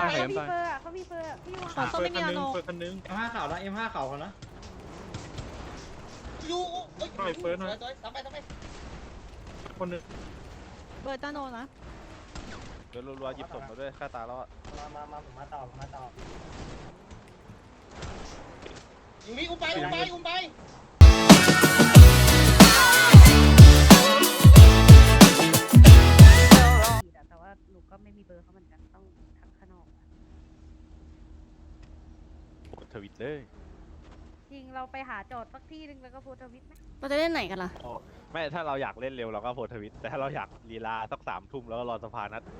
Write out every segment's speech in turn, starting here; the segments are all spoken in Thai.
เขามีเฟอร์อ่ะเขามีเฟอร์พี่วางเขาไม่มีนาโนเฟิร์สคันนึง M5 ขาวนะ M5 ขาวเขานะยูเอ้ยหน่อยเฟิร์สหน่อยทำไปคนนึงเบิร์ดนาโนนะเดี๋ยวรัวๆหยิบศพมาด้วยค่าตาแล้วอะมาผมมาต่ออยู่นี่อุ้มไปแต่ว่าหนูก็ไม่มีเบอร์เขาเหมือนกันต้องทักข้างนอกโพสต์ทวิตเลยจริงเราไปหาโจทย์สักที่นึงแล้วก็โพสต์ทวิตไหมเราจะเล่นไหนกันล่ะไม่ถ้าเราอยากเล่นเร็วเราก็โพสต์ทวิตแต่ถ้าเราอยากลีลาสัก3 ทุ่มแล้วก็รอสภานัด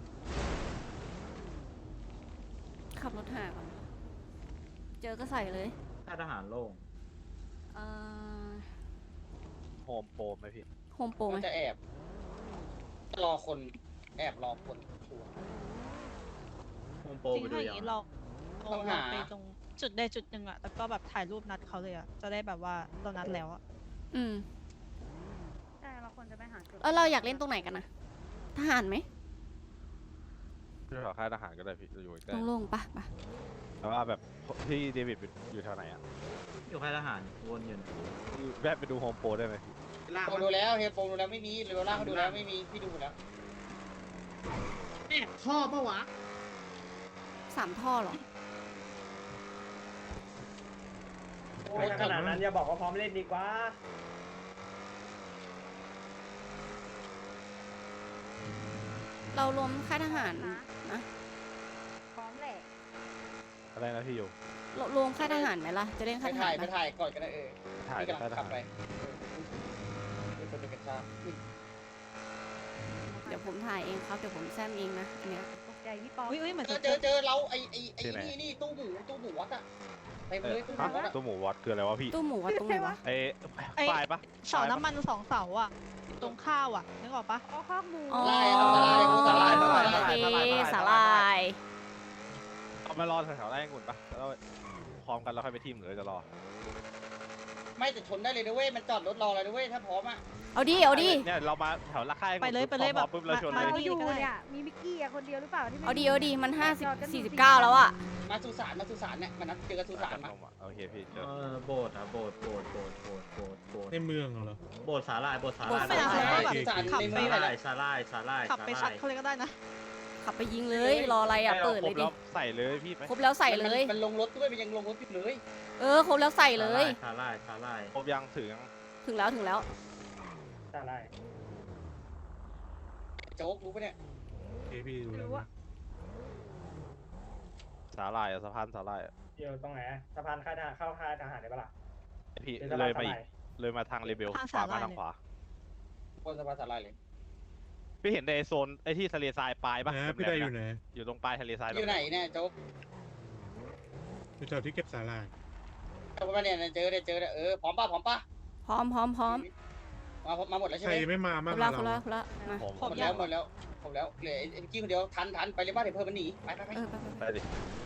ขับรถหาก่อน เจอก็ใส่เลยค่ายทหารโล่งเอ่อโฮมโปรไหมพี่โฮมโปรไหมมันจะแอบรอคนชัวร์โฮมโปรจริงไปดูถ้าอยัย่าง งนี้เราต้องหาไปตรงจุดใดจุดหนึ่งอะแล้วก็แบบถ่ายรูปนัดเขาเลยอะจะได้แบบว่าเรานัดแล้วอะอืมใช่เราควรจะไปหาจุดแล้วเราอยากเล่นตรงไหนกันนะทหารไหมพี่ขอค่ายทหารก็ได้พี่จะอยู่ใกล้โล่งๆปะแต่ว่าแบบพี่เดวิดอยู่แถวไหนอ่ะอยู่ค่ายทหารวนอยู่แวะไปดูโฮมโปรได้ไหมพี่ผมดูแล้วเฮโปดูแล้วไม่มีเรเวลล่าเขาดูแล้วไม่มีพี่ดูหมดแล้วท่อปะวะ 3 ท่อเหรอขนาดนั้นอย่าบอกว่าพร้อมเล่นดีกว่าเรารวมค่ายทหารนะพร้อมแหละอะไรนะพี่อยู่รวมค่ายทหารไหมล่ะ จะเล่นไปค่ายทถ่าหาย รไปปะถ่ายก่อนก็ได้ถ่ายพี่กำลัค่ายงทขับหารไปเป็นคนเป็นกระชากเดี๋ยวผมถ่ายเองครับ เดี๋ยวผมแซมเองนะอันเนี้ยตกใจพี่ป๊อปอุ้ยเหมือนจะเจอเราไอ้นี่ตู้หมูวัดอะไปเลยตู้หมูวัดอะตัวหมูวัดคืออะไรวะพี่ตู้หมูวัดตรงไหนวะไอ้ปลายปะเสาน้ำมัน2 เสาอะตรงข้าวอะนึกออกปะอ๋อข้าวหมูอ๋อสาลายโอเคสาลายเอามารอแถวๆไร่องุ่นปะแล้วพร้อมกันแล้วค่อยไปทีมหรือจะรอไม่แต่ชนได้เลยนะเว้ยมันจอดรถรอเลยนะเว้ยถ้าพร้อมอะเอาดิเนี่ยเรามาแถวละค่ายไปเลยแบบปุ๊บเราชนเราเลยอยู่เนี่ยมีมิกกี้อะคนเดียวหรือเปล่าที่ไม่เอาดิมัน49แล้วอะมาสุสานเนี่ยมันนัดเจอกันสุสานมาโอเคพี่เจอโบสถ์อ่ะโบสถ์ในเมืองเหรอโบสถ์สาลายไม่ได้แล้วแบบสุสานขับในไปเมืองแบบสาลายขับไปชัดเขาเลยก็ได้นะขับไปยิงเลย รออะไรอะเปิดเลยดิใส่เลยพี่ไปครบแล้วใส่เลยมันลงรถด้วยมันยังลงรถอยู่เลยครบแล้วใส่เลยสาลายครบยังถึงยังถึงแล้วสาลายโจ๊กรู้ปะเนี่ยพี่ดูแล้วนะสาลายสะพานสาลายอยู่ตรงไหนสะพานค่ายทหารเข้าค่ายทหารได้ปะล่ะพี่เลยมาอีกเลยมาทางเรเบลขวามาทางขวาบนสะพานสาลายเลยพี่เห็นในโซนไอ้ที่ทะเลทรายปลายปะนะพี่ได้อยู่ไหนอยู่ตรงปลายทะเลทรายอยู่ไหนเนี่ยโจ๊กอยู่แถวที่เก็บสาหร่ายเอาไปเนี่ยเจอพร้อมป่ะพร้อมมาหมดแล้วใช่ใคไหรมไม่มาครบ้างบแล้วเรามาผมหมดแล้วเหลือไอ้กี้คนเดียวทันไปเลยบ้านเดี๋ยวเพิ่มมันหนีไปไปไปดิ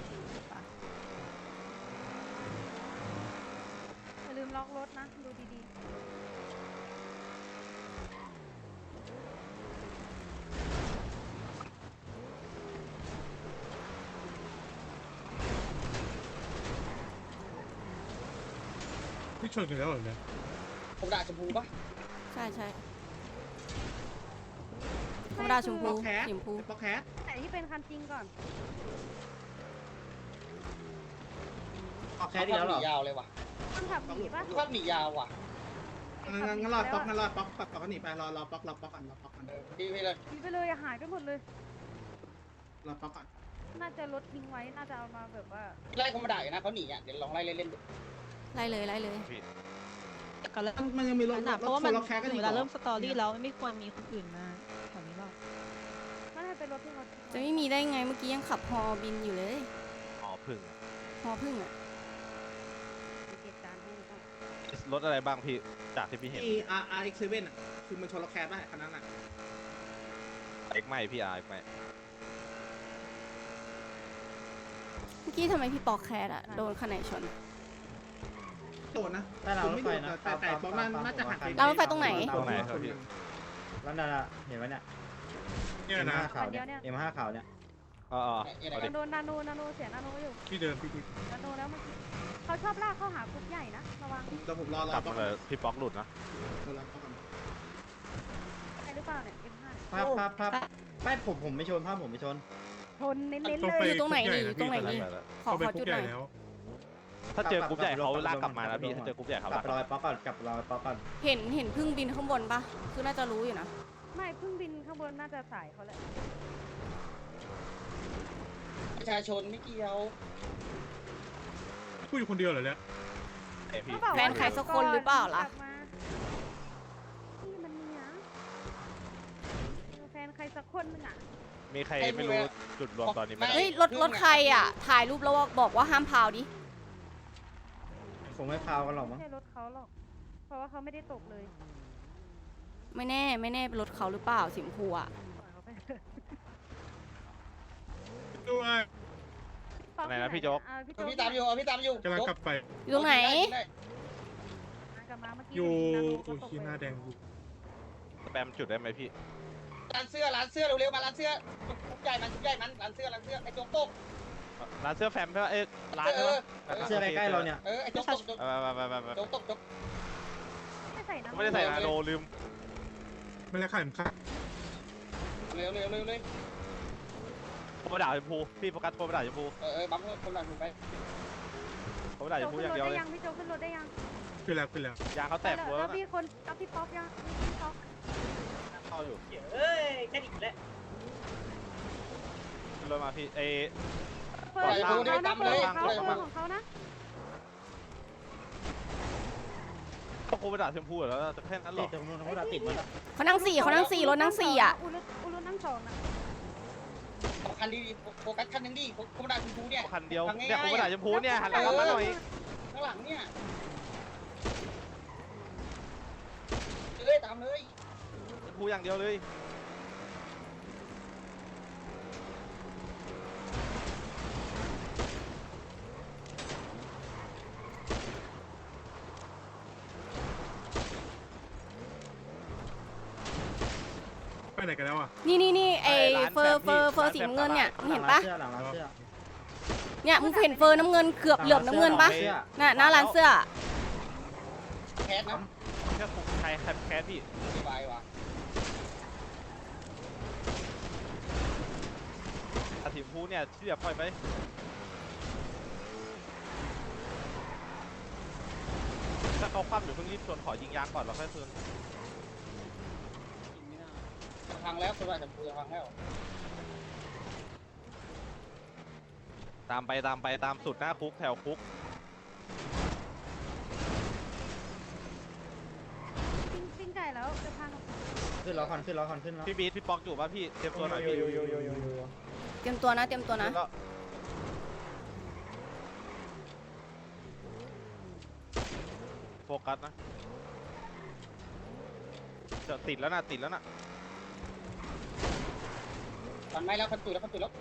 อย่าลืมล็อกรถนะดูดีพี่ชนกันแล้วเหรอเนี่ยผมด่าชมพูป่ะใช่ธรรมดาชมพูสีชมพูป๊อกแคสๆไหนที่เป็นคันจริงก่อนป๊อกแคเขาสอีกแล้วหเหรนีอยาวเลยว่ะมันขับหนีปะภาพหนียาวว่ะงั้นรอป๊อกก็หนีไปรอป๊อกก่อนพี่เลยหนีไปเลยอะหายไปหมดเลยรอป๊อกก่อนน่าจะรถทิ้งไว้น่าจะเอามาแบบว่าไล่เขามาด่าอยู่นะเขาหนีอ่ะเดี๋ยวลองไล่เล่นดูไล่เลยพี่กันเลยมันยังมีรถเพราะว่ามันรถแคสกันอีเวกลาเริ่มสตอรี่แล้วไม่ควรมีคนอื่นมาแถวนี้หรอกน่าจะเป็นรถที่รถจะไม่มีได้ไงเมื่อกี้ยังขับฮอบินอยู่เลยอ๋อพึ่งฮอพึ่งอะเหตุการณ์ที่ต้องรถอะไรบ้างพี่จากที่พี่เห็นที่ RX7 อ่ะคือมันชนรถแคสป่ะคันนั้นอ่ะเอ็กไม่พี่อาร์เอ็กไม่เมื่อกี้ทำไมพี่ปอกแคสอะโดนคันไหนชนโดนนะแต่เรารถไฟนะแต่ป๊อกน่าจะหักรางรถไฟตรงไหนตรงไหนครับพี่แล้วนั่นเห็นไหมเนี่ยเนี่ยนะคันเดียวเนี่ย M5 ขาวเนี่ยเนี่ยโดนนาโนเสียนาโนอยู่ที่เดิมพี่นาโนแล้วเมื่อกี้เขาชอบลากเข้าหากรุ๊ปใหญ่นะระวังแต่ผมรอกลับมาเลยพี่ป๊อกหลุดนะใช่หรือเปล่าเนี่ย M5 เนี่ยภาพไม่ผมไม่ชนผมไม่ชนชนเน้นๆต้องเลไปยอยู่ตรงไหนนี่อยู่ตรงไหนไปนี่แล้วขอเข้าไปขอคุจุกดใหหญ่น่อยแล้วถ้าเจอกรุ๊ปใหญ่เขาลากกลับมานะพี่ถ้าเจอกรุ๊ปใหญ่เขากลัลาบกไปรอยป๊อกก่อนกลับไปรอยป๊อกก่อนเห็นพึ่งบินข้างบนปะคือน่าจะรู้อยู่นะไม่เพิ่งบินข้างบนน่าจะสายเขาแหละประชาชนไม่เกี่ยวพูดอยู่คนเดียวเหรอเนี่ยพี่แฟนใครสักคนหรือเปล่าล่ะกบมาพี่มันเนี่ยแฟนใครสักคนนึงอ่ะมีใครไม่รู้จุดรวมตอนนี้ไหมเฮ้ยรถใครอ่ะ ถ่ายรูปแล้วบอกว่าห้ามพาวดิคงไม่พาวกันหรอกไม่มั้งใช่รถเขาหรอก เพราะว่าเขาไม่ได้ตกเลยไม่แน่เป็นรถเขาหรือเปล่าสีชมพูอ่ะปล่อยเขาไปเถอะด้วยไหนนะพี่โจ๊กพี่โจ๊กพี่ตามอยู่พี่ตามอยู่กำลังกลับไปอยู่ตรงไหนกลับมาเมื่อกี้อยู่นาโนโอ้ก็ตกยขี้หน้าเลยแดงอยู่สแปมจุดได้ไหมพี่ร้านเสื้อเร็วๆมาร้านเสื้อชุบใหญ่มันร้านเสื้อไอ้โจ๊กตกร้านเสื้อแฟมใช่ไหมร้านเสื้อใกล้ๆเราเนี่ยไอ้โจ๊กตกไปโจ๊กตกไม่ใส่น้ำไม่ได้ใส่นาโนลืมไม่แล้วขายมันค่าเร็วเลยโคบด่าชมพูพี่โฟกัสโคบด่าชมพูบังคนหลังถูกไปโคบด่าชมพูอย่างเดียวเลยพี่โจ๊กขึ้นรถได้ยังขึ้นแล้วขึ้นแล้วยางเขาแตกหัวแล้แล้ว วพี่คนเอาพี่ป๊อปยังพี่ป๊อปเข้าอยู่เอ้ยแค่นี้แหละขึ้นรถมาพี่เอเปิดของเขานะเปิดของเขานะเขาโคบด่าชมพูแล้วจะแค่นั้นหรติอดตรงนู้นเขาติดมันเขานั่งสี่รถนั่งสี่อ่ะอุลุนั่งสองนะคันดีโฟกัสคันนึงดิโคบดาชมพูเนี่ยคันเดียวเนี่ยโคบด่าชมพูเนี่ยหันหลังกลับมาหน่อยข้างหลังเนี่ยตามเลยชมพูอย่างเดียวเลยไปไหนกันแล้วอ่ะนี่ไอเฟอร์สีน้ำเงินเนี่ยมึงเห็นปะหลังร้านเสื้อเนี่ยมึงเห็นเฟอร์น้ำเงินเหลือบน้ำเงินปะน่ะหน้าร้านเสื้อแคสนะแค่ใครแคสพี่สบายว่ะอาทีมพูเนี่ยที่แบบปล่อยไปถ้าเขาคว่ำอยู่เพิ่งรีบชวนขอยิงยางก่อนแล้วค่อยคืนพังแล้วโคบดาชมพูพังแล้วตามไปตามสุดหน้าคุกแถวคุกปิ้งไก่แล้วจะพังขึ้นแล้วขึ้นแล้วพี่บีทพี่ป๊อกอยู่ป่ะพี่เตรียมตัวหน่อยพี่เตรียมตัวนะแล้วก็โฟกัสนะจะติดแล้วนะพังไม่แล้วคันตุยแล้วพังแล้ว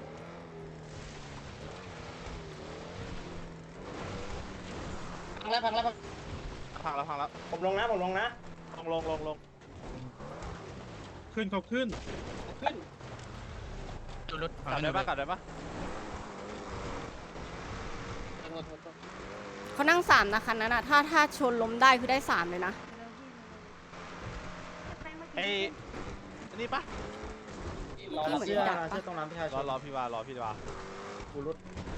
พังแล้วพังแล้วผมลงนะลงขึ้นเขาขึ้นขึ้นกลับได้ปะเขานั่ง3นะคันนั้นอ่ะถ้าชนล้มได้คือได้3เลยนะไอ้นี่ปะรอเสื้อตรงร้านประชาชนรอพี่วารอพี่วากูรุด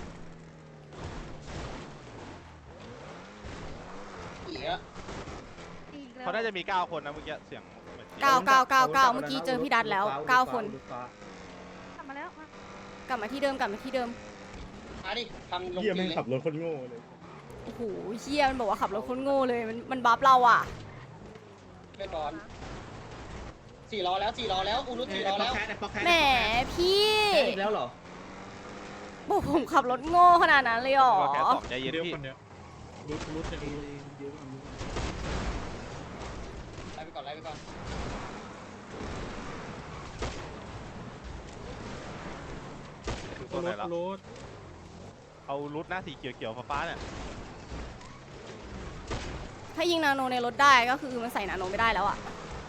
เขาน่าจะมี9คนนะเมื่อกี้เสียงเหมือน 9เมื่อกี้เจอพี่ดัดแล้ว9คนกลับมาแล้วกลับมาที่เดิมมาดิพังลงเฮียแม่งขับรถคนโง่เลยโอ้โหเชี่ยมันบอกว่าขับรถคนโง่เลยมันบัฟเราอ่ะไปก่อน4 ล้อแล้วอูรุ4 ล้อแล้วแหมพี่อีกแล้วเหรอบอกผมขับรถโง่ขนาดนั้นเลยเหรอแค่2ใจเย็นเดียวพี่คนเนี้ยรุดเนี่ยรุดไล่ไปก่อนตัวไหนแล้วรุดเอารุดหน้าสีเขียวฟ้าเนี่ยถ้ายิงนาโนในรถได้ก็คือมันใส่นาโนไม่ได้แล้วอ่ะ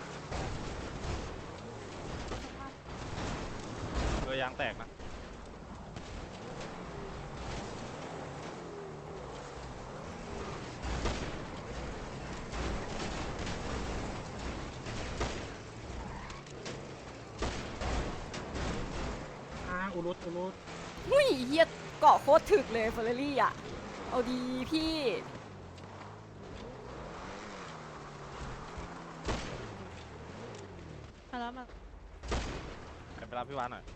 ตัวยางแตกนะรุดอูรุดหุ้ยเฮียเกาะโคตรถึกเลยเฟอร์รารี่อ่ะ เอาดีพี่มาแล้วมาไปรับพี่วานหน่อย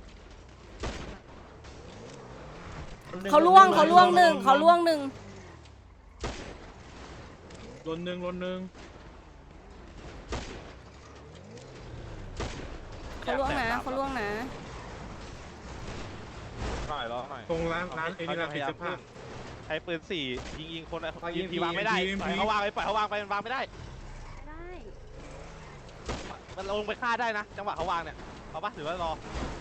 เขาล่วงเขาล่วงหนึ่งเขาล่วงหนึ่งลนหนึ่งลนหนึ่งเขาล่วงนะเขาล่วงนะหน่อยรอหน่อยตรงร้านไอ้นี่ร้านปิดเสื้อผ้าใช้ปืน4ยิงคนยิงทีวางไม่ได้ปล่อยเขาวางไปปล่อยเขาวางไปมันวางไม่ได้ไม่ได้มันลงไปฆ่าได้นะ จังหวะเขาวางเนี่ยเอาปะหรือว่ารอ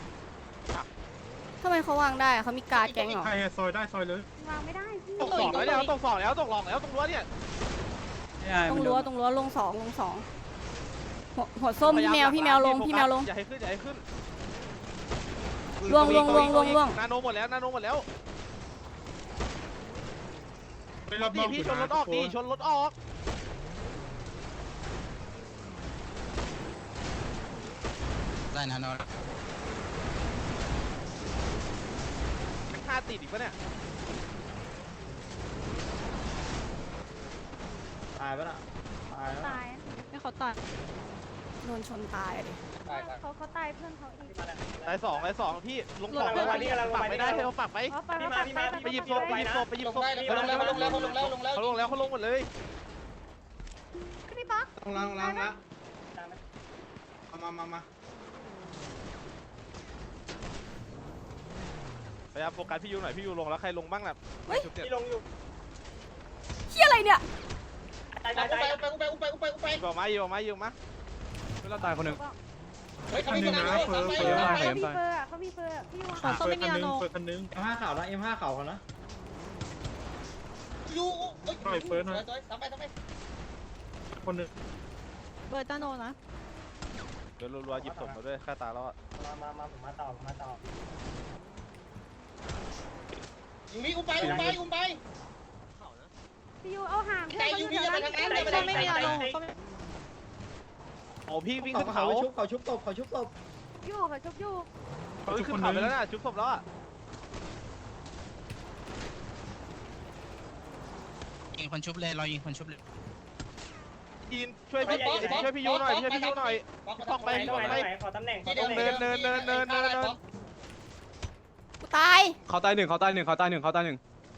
ทำไมเขาวางได้อะเขามีการ์ดแก๊งเหรอใครซอยได้ซอยเลยวางไม่ได้พี่ตก2แล้วเนี่ยตก2แล้วตกหลอกแล้วตรงรั้วเนี่ยตรงรั้วลงสองหัวส้มพี่แมวลงพี่แมวลงอย่าให้ขึ้นอย่าให้ขึ้นล่วงนาโนหมดแล้วนาโนหมดแล้วไปรอบนอกพี่ชนรถออกดิชนรถออกได้นาโนฆ่าติดอีกปะเนี่ยตายปะน่ะตายแล้วตายไม่เขาตายโดนชนตายเลยตายตายเขาตายเพื่อนเขาอีกตายสองพี่ลง2ปักไม่ได้ให้เขาปักไปเขาไปไปหยิบศพไปหยิบศพไปหยิบลงศพได้เขาลงแล้วเขาลงแล้วเขาลงแล้วลงแล้วเขาลงแล้วเขาลงหมดเลยพี่ป๊อกลงแล้วมาพยายามโฟกัสพี่ยูหน่อยพี่ยูลงแล้วใครลงบ้างล่ะที่ลงอยู่เฮียอะไรเนี่ยไปยิงออกมายิงออกมายิงออกมาไม่เราตายคนหนึ่งเฮ้ยเขาไม่มีนาโนเขามีเฟอร์เขามีเฟอร์พี่วางเขาไม่มีนาโนเฟิร์คันนึง M5 ขาวนะ M5 ขาวเขานะยูทำไปคนนึงเบิร์ดนาโนนะเดี๋ยวรัวๆหยิบศพมาด้วยฆ่าตาแล้วอ่ะมาผมมาต่ออยู่นี่อุ้มไปพี่ยูเอาห่างเพื่อนแต่ยูนี่อย่าไปทางนั้นเขาไม่มีนาโนเขาไม่โอ้พี่วิ่งขึ้นเขาเขาชุบตบเขาชุบตบยูเขาชุบยูเขาขึ้นเขาไปแล้วน่ะชุบศพแล้วอ่ะยิงคนชุบเลยรอยิงคนชุบเลยยินช่วยพี่ยูหน่อยพี่ยูหน่อยปอกไปขอตำแหน่งเนินกูตายเขาตายหนึ่งเขาตายหนึ่งเขาตายหนึ่งเขาตายหนึ่ง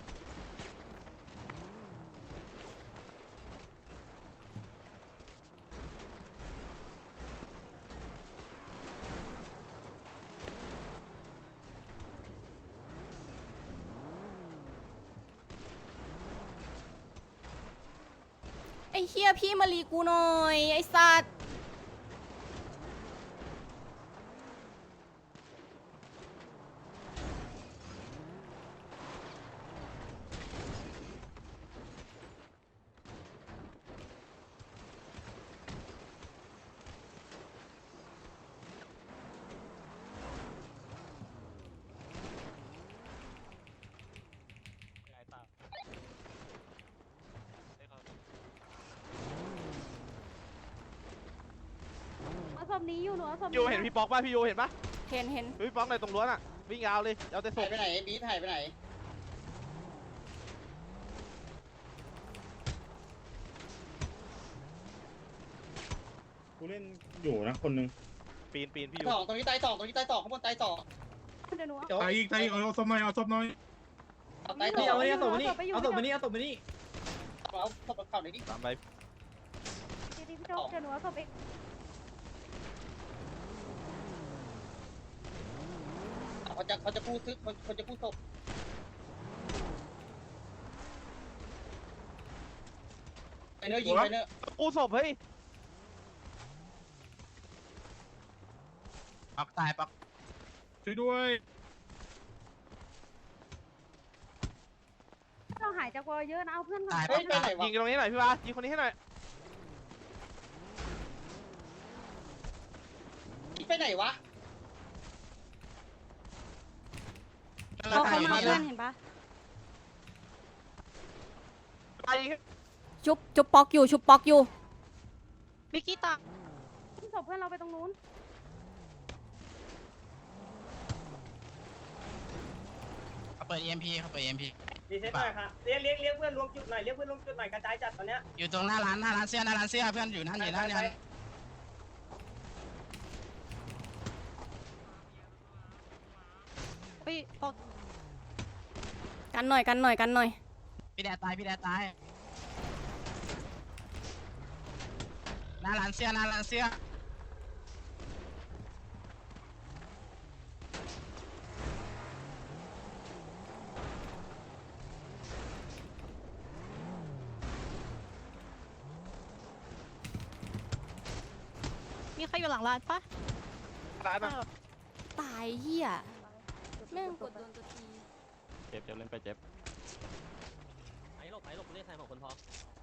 ไอ้เฮียพี่มารีกูหน่อย ไอ้สัตว์เอาศพนี้อยู่หนูเอาศพยูเห็นพี่ป๊อกป่ะพี่ยูเห็นป่ะเห็นพี่ป๊อกในตรงรั้วน่ะวิ่งยาวเลยเอาแต่ศหายพไปไหนบีทหายไปไหนกูเล่นอยู่นะคนนึงปีนพี่ยูสองตรงนี้ตายสองข้างบนตายสองเดี๋ยวหนูตายอีกเอาศพหน่อยเอาศพหน่อยตายนี่สอเอางเนี่ยเอาศพมานี่เอาศพเข่าหน่อยดิตามไปพี่โจ๊กเดี๋ยวหนูเอาศพเองเขาจะพูดซึกเขาจะพูดศพไปเนอยิงไปเนอกูศพเฮ้ยปักตายปักช่วยด้วยเราหายจากวอลเยอะนะเอาเพื่อนก่อนเฮ้ยไปไหนวะยิงตรงนี้หน่อยพี่วายิงคนนี้ให้หน่อยไปไหนวะเขามาเพื่อนเห็นปะตายชุบป๊อกอยู่วิกกี้ตายศพเพื่อนเราไปตรงนู้นปิด EMP เขาเปิด EMP รีเซ็ตหน่อยค่ะเรียกเพื่อนรวมจุดหน่อยเรียกเพื่อนรวมจุดหน่อยกระจายจัดตอนเนี้ยอยู่ตรงหน้าร้านเสื้อเพื่อนอยู่นั่นอยู่นั่นเฮ้ยตกกันหน่อยกันหน่อยกันหน่อยพี่แดดตายหน้าร้านเสื้อมีใครอยู่หลังร้านปะร้านอ่ะตายเหี้ยแม่งกดโดนตัวทีเจ็บเล่นไปเจ็บไอ้หลบเรียกแทนของคนพอ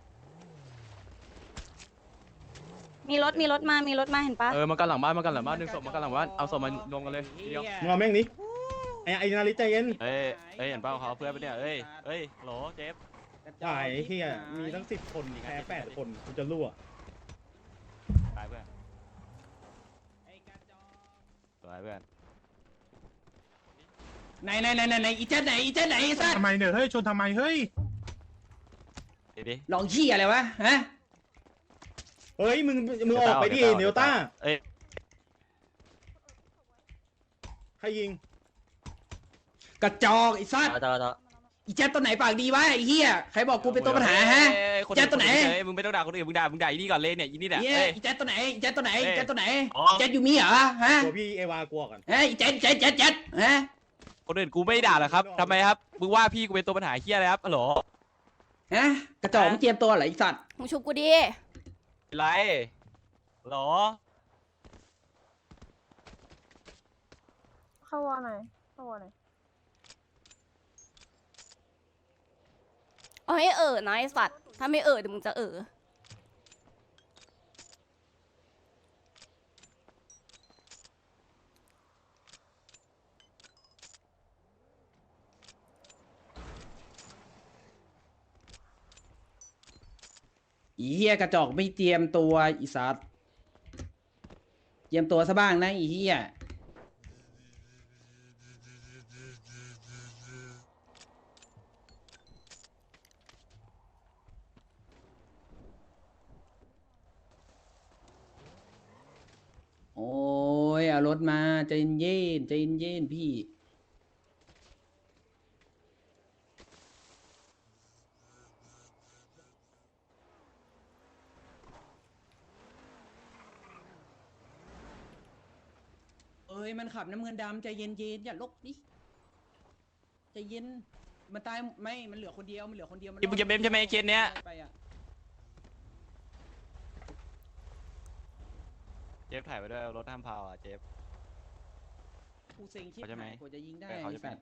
มีรถมาเห็นปะมันกันหลังบ้านดึงศพมันกันหลังบ้านเอาศพมารวมกันเลยทีเดียวมึงเอาแม่งนี้ไอ้นาริใจเย็นเอ้ยเห็นเปล่าเขาเพื่อนไปเนี่ยเอ้ยโหลเจ็บถ่ายเฮียมีตั้ง10 คนแพ้8 คนกูจะรั่วตายเพื่อนสวยเพื่อนไหนอีเจ๊ไหนสัตว์ทำไมเนี่ยเฮ้ยชนทำไมเฮ้ยดิลองขี้อะไรวะฮะเฮ้ยมึงออกไปดิเนลต้าเอ้ยใครยิงกระจอกไอ้สัตว์อีเจ๊ตัวไหนปากดีวะไอ้เหี้ยใครบอกกูเป็นตัวปัญหาฮะ เจ๊ตัวไหนมึงไม่ต้องด่าคนอื่นมึงด่าอีนี่ก่อนเลยเนี่ยอีนี่แหละเหี้ยเอ้ยอีเจ๊ตัวไหนอีเจ๊ตัวไหนอีเจ๊ตัวไหนอ๋อเจ๊อยู่มีเหรอฮะตัวพี่เอวากลัวกันเฮ้ยอีเจ๊ฮะคนอื่นกูไม่ด่าหรอกครับทำไมครับมึงว่าพี่กูเป็นตัวปัญหาเฮียอะไรครับฮัลโหลฮะกระจอกไม่เจียมตัวเหรอไอ้สัตว์มึงชุบกูดิไรฮัลโหลเข้าวอหน่อยเข้าวอหน่อยเอาให้นะไอ้สัตว์ถ้าไม่เดี๋ยวมึงจะอีเหี้ยกระจอกไม่เตรียมตัวอีสัตว์เตรียมตัวซะบ้างนะอีเหี้ยโอ้ยเอารถมาใจเย็นพี่เอ้ยมันขับน้ำเงินดำใจเย็นอย่าลกดิใจเย็นมันตายไม่มันเหลือคนเดียวมันรอดมึงจะเบมใช่ไหมเคสเนี้ยไปอะเจฟถ่ายไปด้วยรถห้ามพาวอ่ะเจฟกูเซ็งชิบเขาจะไหมหายกว่าจะยิงได้ไปเขาจะไอ้ไหมสัตว์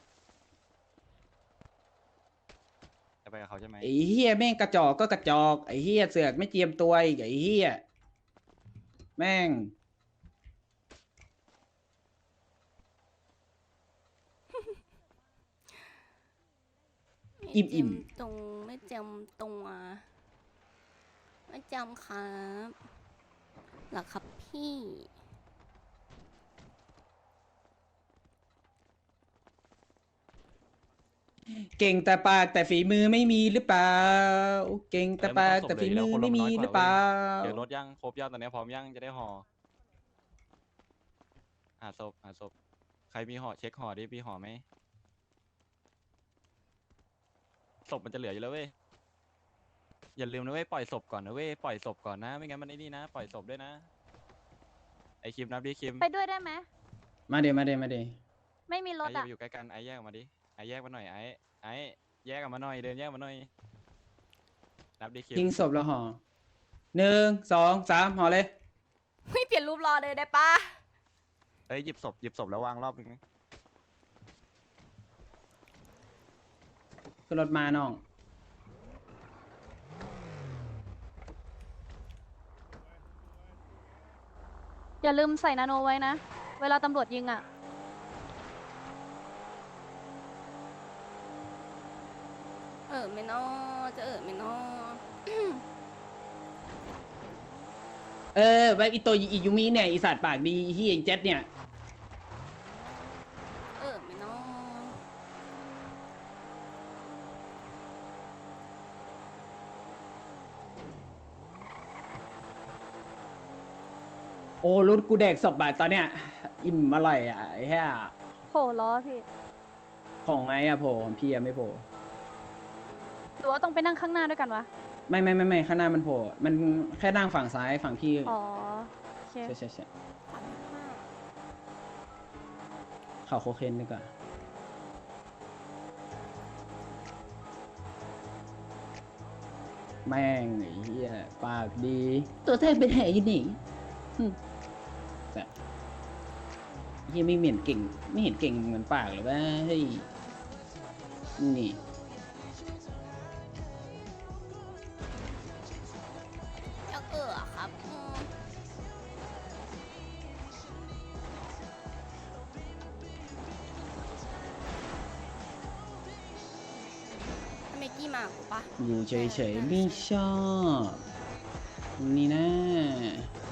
จะไปกับเขาใช่ไหมไอ้เฮียแม่งกระจอกก็กระจอกไอ้เฮียเสือกไม่เจียมตัวอีกไอ้เฮียแม่ง อิ่มตรงไม่จำตัวไม่จำครับหรอครับพี่เก่งแต่ปากแต่ฝีมือไม่มีหรือเปล่าเก่งแต่ปากแต่ฝีมือไม่มีหรือเปล่าเดี๋ยวรถยังครบยังตอนนี้พร้อมยังจะได้ห่อหาศพใครมีห่อเช็คห่อดิมีห่อไหมศพมันจะเหลืออยู่แล้วเว้ยอย่าลืมนะเว้ยปล่อยศพก่อนนะเว้ยปล่อยศพก่อนนะไม่งั้นมันไอ้นี่นะปล่อยศพด้วยนะไอคิมนับดิคิมไปด้วยได้ไหมมาเดี๋ยวไม่มีรถไออย่าอ่ะไปอยู่ใกล้กันไอแยกออกมาดิไอแยกมาหน่อยไอแยกออกมาหน่อยเดินแยกมาหน่อยนับดิคิมทิ้งศพแล้วห่อ1 2 3ห่อเลยไม่เปลี่ยนรูปรอเลยได้ปะเอ้ยหยิบศพแล้ววางรอบนึงขึ้นรถมาน้องอย่าลืมใส่นาโนไว้นะ เวลาตำรวจยิงอ่ะไม่นอจะไม่นอไว้อีตัวอียูมิเนี่ยอีสัตว์ปากดีอีเฮียอีเจ็ดเนี่ยไม่นออ้รถกูแดกศพแบบตอนเนี้ยอิ่มอร่อยอ่ะไอ้เหี้ยโผล่ล้อพี่ของไงอะโผล่ของพี่อะไม่โผล่หรือว่าต้องไปนั่งข้างหน้าด้วยกันวะไม่ข้างหน้ามันโผล่มันแค่นั่งฝั่งซ้ายฝั่งพี่อ๋อโอเคใช่ข่าวโคเคนดีกว่าแม่งไอ้เหี้ยปากดี ตัวแทนเป็นแห่อยู่นี่แต่เหี้ยไม่เหม็นเก่งไม่เห็นเก่งเหมือนปากเลยว่าเฮ้ยนี่แล้วครับเมกกี้มากูปะอยู่เฉยๆไม่ชอบนี่นะ